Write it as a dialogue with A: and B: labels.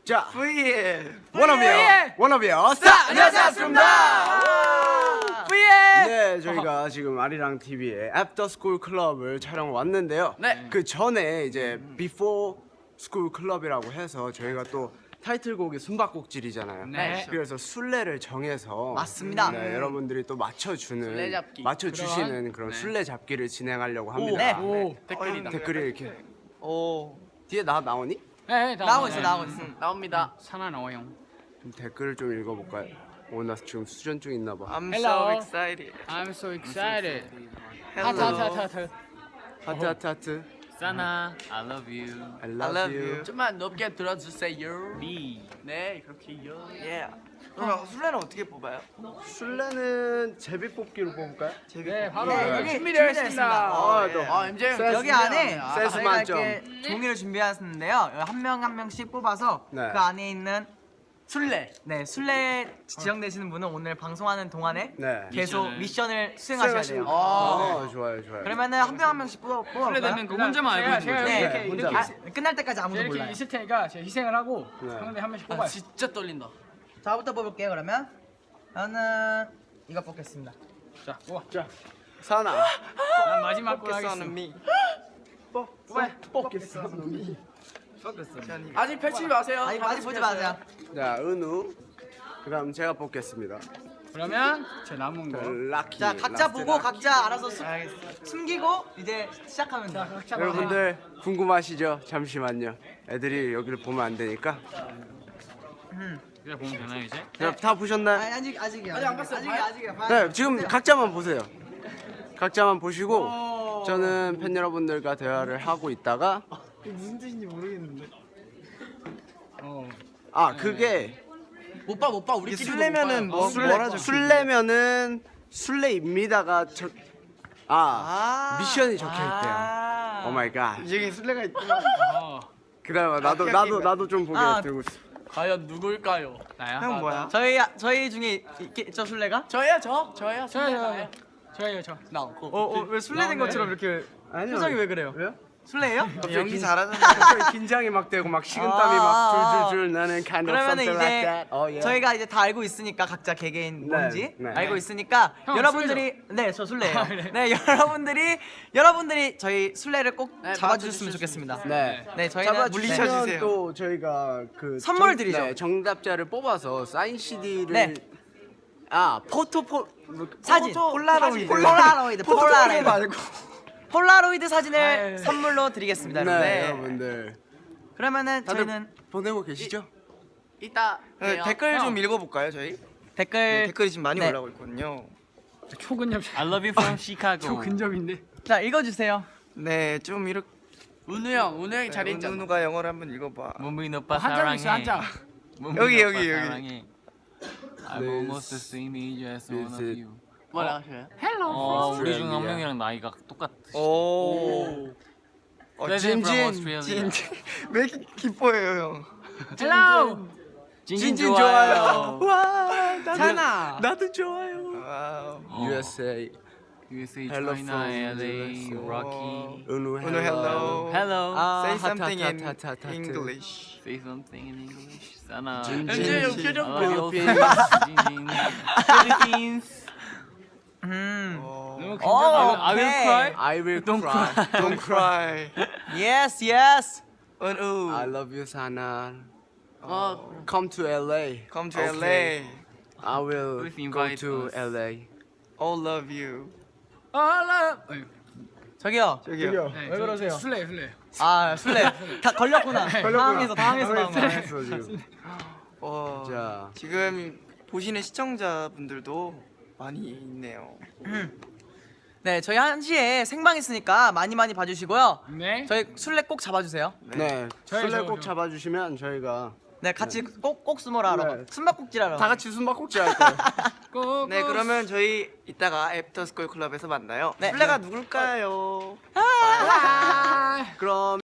A: 자,
B: V의
A: 원어비어 스타!
B: 안녕하세요, 아스입니다. V의
A: 네, 저희가 지금 아리랑 TV의 애프터 스쿨 클럽을 촬영 왔는데요.
B: 네.
A: 그 전에 이제 비포 스쿨 클럽이라고 해서 저희가 또 타이틀곡이 숨바꼭질이잖아요.
B: 네.
A: 그래서 순례를 정해서
C: 맞습니다.
A: 네, 여러분들이 또
B: 술래잡기.
A: 맞춰주시는 그런
B: 네.
A: 술래잡기를 진행하려고 합니다.
C: 네.
B: 오, 댓글이다.
A: 댓글이 이렇게
C: 오
A: 뒤에 나오니?
D: 네,
C: 나오고 있어 나오고 있어.
B: 나옵니다.
D: 하나 나와요.
A: 좀 댓글을 좀 읽어볼까요? 나 지금 수전증 있나봐.
B: I'm
D: Hello.
B: so excited.
D: I'm so excited.
B: Hello.
D: 하트.
A: 하트.
D: 사나, I love you.
A: I
B: I
A: love
B: love
A: you.
B: you. 좀만 높게 들어주세요.
D: Me.
B: 네, 그렇게요.
C: 예. 그럼 술래는 어떻게 뽑아요?
A: 술래는 제비 뽑기로 뽑을까요?
D: 네, 바로
C: 네, 여기
D: 준비되어 있습니다.
A: 또.
B: 아, MJ 형.
A: 센스.
C: 여기 안에
A: 센스
C: 저희가
A: 만점.
C: 이렇게 종이를 준비했는데요. 한 명 한 명씩 뽑아서
A: 네.
C: 그 안에 있는
B: 술래.
C: 술래 지정되시는 분은 오늘 방송하는 동안에
A: 네.
C: 계속 미션을 수행하셔야 돼요.
A: 좋아요.
C: 그러면은 한 명 한 명씩 뽑아볼까요?
D: 되면 그 혼자만 알고 있는
C: 제가
D: 거죠.
C: 이렇게
A: 네,
C: 이렇게
A: 혼자만.
C: 끝날 때까지 아무도
D: 이렇게
C: 몰라요.
D: 있을 테니까 제가 희생을 하고
A: 네.
D: 형들 한 명씩
B: 아,
D: 뽑아요.
B: 진짜 떨린다.
C: 저부터 뽑을게요. 그러면 저는 이거 뽑겠습니다.
D: 자, 뽑아.
A: 사나.
D: 난 마지막 거 하겠어.
A: 뽑겠어.
B: 아직 펼치지 마세요.
C: 아직 보지 마세요.
A: 자, 은우. 그다음 제가 뽑겠습니다.
D: 그러면 제 남은 거.
A: 라키.
C: 자 각자
A: 라스트
C: 보고
A: 라키.
C: 각자 알아서 숨기고 이제 시작하면 돼요.
D: 각자
A: 여러분들 궁금하시죠? 잠시만요. 애들이 여기를 보면 안 되니까.
D: 그래 보면 되나요 이제?
A: 다 보셨나요?
C: 아직이요.
B: 아직 안 봤어요.
C: 아직이요.
A: 네, 지금 각자만 보세요. 각자만 보시고 저는 팬 여러분들과 대화를 하고 있다가
C: 무슨 뜻인지 모르겠는데.
A: 그게
B: 못 봐. 우리끼리
C: 술래면은 뭐-
A: 술래면은 술래입니다가 미션이 적혀 있대요. 오 마이 갓.
C: 여기 술래가 있구나.
A: 그다음에 나도 좀 보게
C: 아.
A: 들고 있어.
B: 과연 누굴까요?
D: 나야?
C: 형 뭐야? 저희 중에 있죠 술래가?
B: 저예요. 저예요.
D: 저예요 저.
B: 나 없고.
C: 왜 술래된 것처럼 이렇게
A: 아니요.
C: 표정이 왜 그래요?
A: 왜요?
C: 술래예요?
A: 연기 잘하잖아. 갑자기 긴장이 막 되고 막 식은땀이 막 줄줄줄 나는 kind of
C: 그러면은
A: something
C: 이제
A: like that. Yeah.
C: 저희가 이제 다 알고 있으니까 각자 개개인
A: 네,
C: 뭔지
A: 네.
C: 알고 있으니까
D: 형,
C: 여러분들이 저 술래예요.
D: 그래?
C: 네 여러분들이 저희 술래를 꼭
B: 네,
C: 잡아주셨으면 좋겠습니다.
A: 네.
C: 네 저희는
A: 물리쳐주세요. 또 저희가 그
C: 선물 드리죠.
A: 네, 정답자를 뽑아서 사인 CD를
C: 네. 사진 폴라로이드 폴라로이드 사진을 선물로 드리겠습니다.
A: 네,
C: 여러분.
A: 여러분들
C: 그러면은
A: 다들
C: 저희는
A: 보내고 계시죠?
B: 이따 봬요.
E: 댓글 좀 읽어볼까요 저희?
C: 댓글
E: 댓글이 지금 많이
C: 네.
E: 올라오고 있거든요.
D: 초근접.
F: I love you from Chicago.
D: 초근접인데.
C: 자 읽어주세요.
E: 네, 좀 이렇게
B: 은우 형이 잘했잖아.
E: 은우가 영어를 한번 읽어봐.
F: 문빈 오빠
D: 한 장 있어
F: 사랑해.
D: 한 장.
F: 문빈
E: 여기,
F: 오빠
E: 여기.
F: 사랑해. I'm almost the same age as one of
A: Visit.
F: you.
B: 뭐라 하셔요?
F: 우리 중 한 명이랑 나이가 똑같으시다.
E: 오.
F: President from Australia.
E: 왜 이렇게 기뻐해요 형?
D: 헬로.
F: 진진 좋아요.
A: 와,
C: 찬아.
A: 나도 좋아요.
E: 와우.
A: USA.
F: USA,
A: Hello
F: China,
A: from
F: LA,
A: USA.
F: Rocky.
A: 은우
E: 은우 hello.
F: Hello.
E: Say
A: 하트,
E: something in
A: 하트, 하트, 하트.
E: English.
F: Say something in English. 사나.
B: MJ 형 표정
F: I
B: 봐.
F: love you, 진진. Philippines.
D: 너무
F: I will
C: 오케이.
F: cry.
A: I will cry.
E: Don't cry.
C: Yes yes.
E: 은우.
A: I love you, Sana.
B: 어,
A: Come to LA.
E: Come to
A: Okay.
E: LA.
A: I will
F: Please
A: go
F: invite
A: to
F: us.
A: LA.
E: All love you.
C: 저기요.
E: 저기요.
D: 왜 그러세요? 술래.
C: 술래 다 걸렸구나. 당황해서 나온 거야.
A: 했어 지금.
E: 와.
A: 자,
E: 지금 보시는 시청자분들도 많이 있네요.
C: 네 저희 1시에 생방 있으니까 많이 봐주시고요.
D: 네.
C: 저희 술래 꼭 잡아주세요.
A: 네. 술래
D: 저요,
A: 꼭
D: 저.
A: 잡아주시면 저희가
C: 네 같이 꼭 숨어라 하러
A: 네.
C: 숨바꼭질 하러.
A: 다 같이 숨바꼭질 할 거예요.
D: 꼭.
E: 네, 그러면 저희 이따가 애프터스쿨 클럽에서 만나요.
C: 네.
E: 술래가 누굴까요?
A: 그럼.